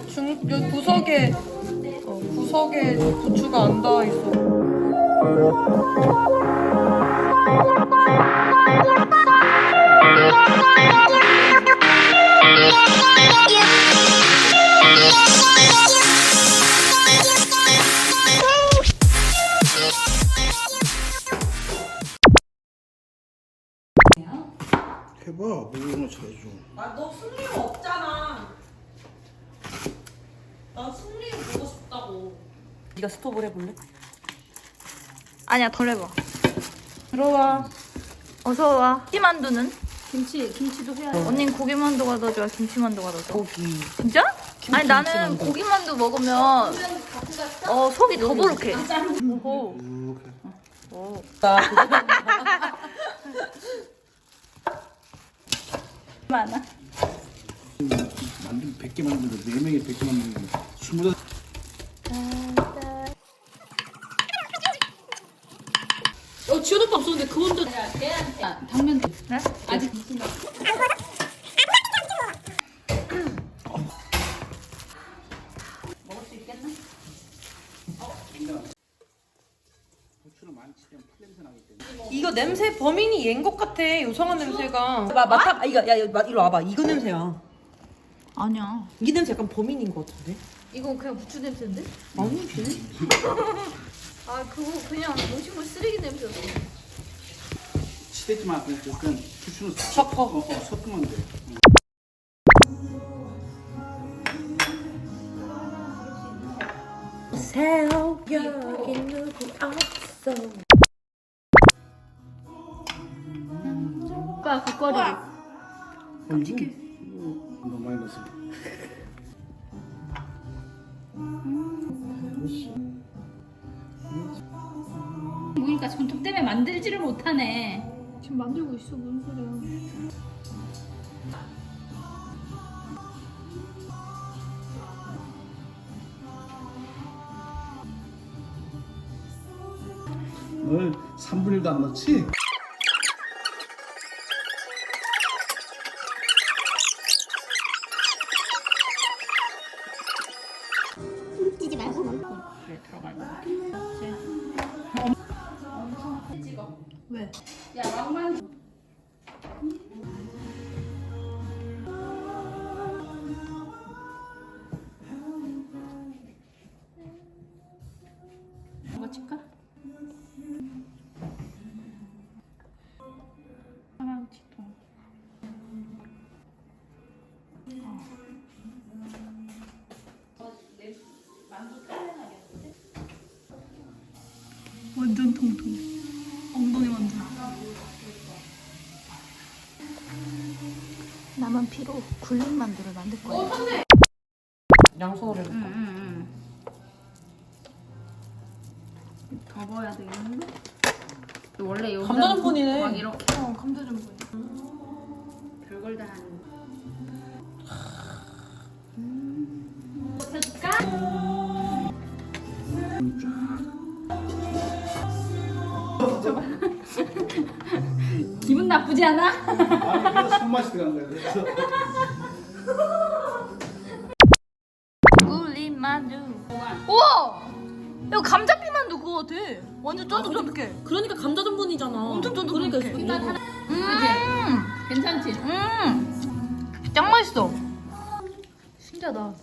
여기 구석에 부추가 안 닿아 있어. 해봐, 모르는 거 잘해줘. 너 승리가 없잖아. 나 승리 보고 싶다고. 네가 스톱을 해볼래? 아니야, 덜 해봐. 들어와. 어서 와. 김치만두는? 김치도 해야 돼. 언니는 고기만두가 더 좋아, 김치만두가 더 좋아? 고기. 진짜? 아니 나는 김치만두. 고기만두 먹으면 속이 더부룩해. 오호. 이렇게. 오. 많아. 만든 100개 만드는데 4명이 100개 만드는데 20. 지효 오빠 없었는데 그 혼자. 당면 네? 아직 먹을 수 있겠나? 고추를 많이 치면 풀냄새 나기 때문에. 이거 냄새 범인이 얘인 것 같아. 요상한 냄새가. 맡아. 이거 야 이리 와봐. 이거 냄새야. 아니야. 이 냄새 약간 범인인 것 같은데? 이건 그냥 부추 냄새인데? 아니지. 아 그거 그냥 음식물 쓰레기 냄새였어. 치대지만 그냥 고추는 섞어. 섞으면 돼. 세요 여기 누구 없어. 오빠 국거리를. 이거 너무 많이 넣었어. 보니까 전통 때문에 만들지를 못하네. 지금 만들고 있어 무슨 소리야? 널 3분의 1도 안 넣지? 왜? 야 왕만 뭐가 칠까? 하나 치통. 완전 통통. 엉덩이 만두. 나만 피로 굴린 만두를 만들 거야. 양손으로 해볼까? 더 넣어야 되겠는데? 원래 여기다 감자전분이네. 막 이렇게 감자전분. 별걸 다 하는. 기분 나쁘지 않아? 아니 그래서 손맛이 들어간 거야. 그래서 굴린 만두. 우와! 이거 감자피 만두 그거 같아. 완전 쫀득쫀득해. 그러니까 감자전분이잖아. 엄청 쫀득쫀득해. 그러니까 괜찮지? 짱 맛있어. 신기하다.